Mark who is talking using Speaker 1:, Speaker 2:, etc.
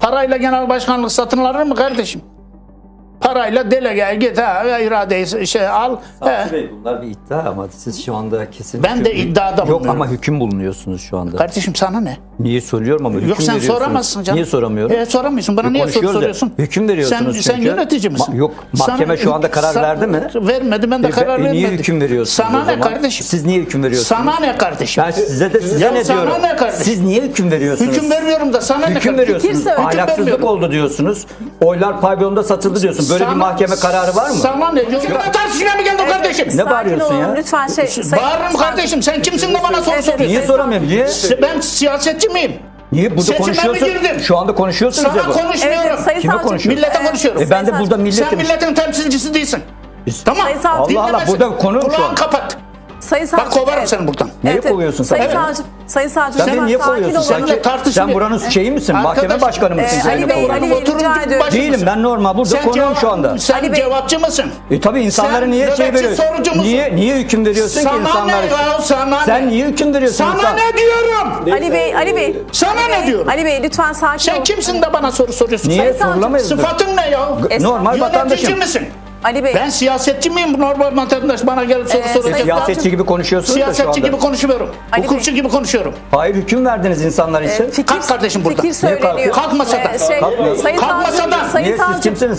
Speaker 1: Parayla genel başkanlık satın alır mı kardeşim? Parayla delegeye git, iradeyi al.
Speaker 2: Savcı Bey, bunlar bir iddia ama siz şu anda kesin...
Speaker 1: Ben de iddiada
Speaker 2: Yok
Speaker 1: bulunuyorum.
Speaker 2: ama hüküm bulunuyorsunuz şu anda.
Speaker 1: Kardeşim sana ne?
Speaker 2: Niye soruyorum ama hüküm
Speaker 1: Yok sen
Speaker 2: veriyorsunuz.
Speaker 1: soramazsın canım.
Speaker 2: Niye soramıyorum?
Speaker 1: Soramıyorsun. Bana niye soru
Speaker 2: Konuşuyoruz ya.
Speaker 1: soruyorsun?
Speaker 2: Hüküm veriyorsunuz
Speaker 1: Sen
Speaker 2: çünkü.
Speaker 1: yönetici misin?
Speaker 2: Yok, mahkeme şu anda karar verdi mi?
Speaker 1: Vermedi, ben de karar vermedim.
Speaker 2: Niye hüküm veriyorsunuz
Speaker 1: Sana
Speaker 2: o
Speaker 1: ne
Speaker 2: zaman?
Speaker 1: kardeşim?
Speaker 2: Siz niye hüküm veriyorsunuz?
Speaker 1: Sana ne kardeşim?
Speaker 2: Ben size
Speaker 1: Ya
Speaker 2: ne
Speaker 1: sana
Speaker 2: diyorum?
Speaker 1: ne kardeşim?
Speaker 2: Siz niye hüküm veriyorsunuz?
Speaker 1: Hüküm vermiyorum da sana ne
Speaker 2: Hüküm
Speaker 1: kardeşim?
Speaker 2: veriyorsunuz.
Speaker 1: Hüküm
Speaker 2: Ahlaksızlık
Speaker 1: vermiyorum.
Speaker 2: oldu diyorsunuz. Oylar pavyonda satıldı diyorsun. Böyle bir mahkeme kararı var mı?
Speaker 1: Sana ne? Hükümet tartışmaya mı geldin kardeşim?
Speaker 2: Ne bağırıyorsun ya?
Speaker 3: Lütfen
Speaker 1: Bağırırım kardeşim. Sen kimsin de bana soru soruyorsun?
Speaker 2: Niye soramıyorum? Niye?
Speaker 1: Ben siyasetçi miyim?
Speaker 2: Niye burada
Speaker 1: Seçime mi
Speaker 2: konuşuyorsun?
Speaker 1: girdin?
Speaker 2: Şu anda konuşuyorsunuz
Speaker 1: Sana
Speaker 2: ya bu.
Speaker 1: konuşmuyorum.
Speaker 3: Evet, Sayın
Speaker 2: Kime
Speaker 3: Savcı.
Speaker 2: konuşuyor?
Speaker 1: Millete konuşuyorum.
Speaker 2: Ben de burada
Speaker 1: Sen
Speaker 2: milletim.
Speaker 1: milletin temsilcisi değilsin. Tamam.
Speaker 3: Sayın Savcı.
Speaker 2: Allah Allah,
Speaker 1: Dinlemesin.
Speaker 2: burada konu şu
Speaker 1: Kulağını
Speaker 2: an.
Speaker 1: kapat.
Speaker 3: Sayın Savcı.
Speaker 1: Bak kovarım seni buradan.
Speaker 2: Niye kovuyorsun sen?
Speaker 3: Sayın
Speaker 2: Evet.
Speaker 3: Savcı. Sayın Savcı.
Speaker 2: Sen beni
Speaker 3: lütfen
Speaker 2: niye
Speaker 3: sakin
Speaker 2: kovuyorsun?
Speaker 3: olun.
Speaker 1: Seninle
Speaker 2: Sen
Speaker 1: tartışmıyor.
Speaker 2: buranın şeyi misin? Mahkeme
Speaker 1: Arkadaş,
Speaker 2: başkanı mısın? Sen
Speaker 3: Ali
Speaker 2: beni
Speaker 3: Bey,
Speaker 2: kovuyorsun.
Speaker 3: Ali Bey,
Speaker 1: Oturun,
Speaker 3: rica ediyorum.
Speaker 1: başınız.
Speaker 2: Değilim, ben normal burada konuğum şu anda.
Speaker 1: Sen
Speaker 3: Ali Bey.
Speaker 1: cevapçı mısın?
Speaker 2: Tabii insanlara
Speaker 1: Sen
Speaker 2: niye şey
Speaker 1: nöbetçi
Speaker 2: veriyorsun?
Speaker 1: sorucu musun?
Speaker 2: Niye hüküm veriyorsun ki
Speaker 1: Sana
Speaker 2: insanlara?
Speaker 1: ne ya? Sana
Speaker 2: Sen
Speaker 1: ne?
Speaker 2: niye hüküm veriyorsun?
Speaker 1: Sana
Speaker 2: insan?
Speaker 1: ne diyorum?
Speaker 3: Ali Bey.
Speaker 1: Sana ne diyorum?
Speaker 3: Ali Bey lütfen sakin
Speaker 1: Sen
Speaker 3: olun.
Speaker 1: kimsin de bana soru soruyorsun?
Speaker 2: Niye
Speaker 3: Sayın Savcı.
Speaker 2: sorulamayız?
Speaker 1: Sıfatın ne ya?
Speaker 2: Normal
Speaker 1: Yönetici
Speaker 2: vatandaşım.
Speaker 1: misin?
Speaker 3: Ali Bey.
Speaker 1: Ben siyasetçi miyim? Normal vatandaş bana gelip soru soracak.
Speaker 3: Sayın
Speaker 2: Siyasetçi gibi konuşuyorsunuz da şu
Speaker 1: Siyasetçi
Speaker 2: anda.
Speaker 1: gibi konuşmuyorum.
Speaker 3: Ali Bey.
Speaker 1: Hukukçu gibi konuşuyorum.
Speaker 2: Hayır, hüküm verdiniz insanlar için.
Speaker 1: Kalk kardeşim buradan.
Speaker 3: Fikir söyleniyor.
Speaker 2: kalkıyor?
Speaker 1: Kalk masadan.
Speaker 3: Sayın
Speaker 2: Kalkmıyor.
Speaker 3: Savcı.
Speaker 1: Kalk masadan.
Speaker 3: Sayın
Speaker 2: Niye, siz
Speaker 3: Savcı.
Speaker 2: kimsiniz?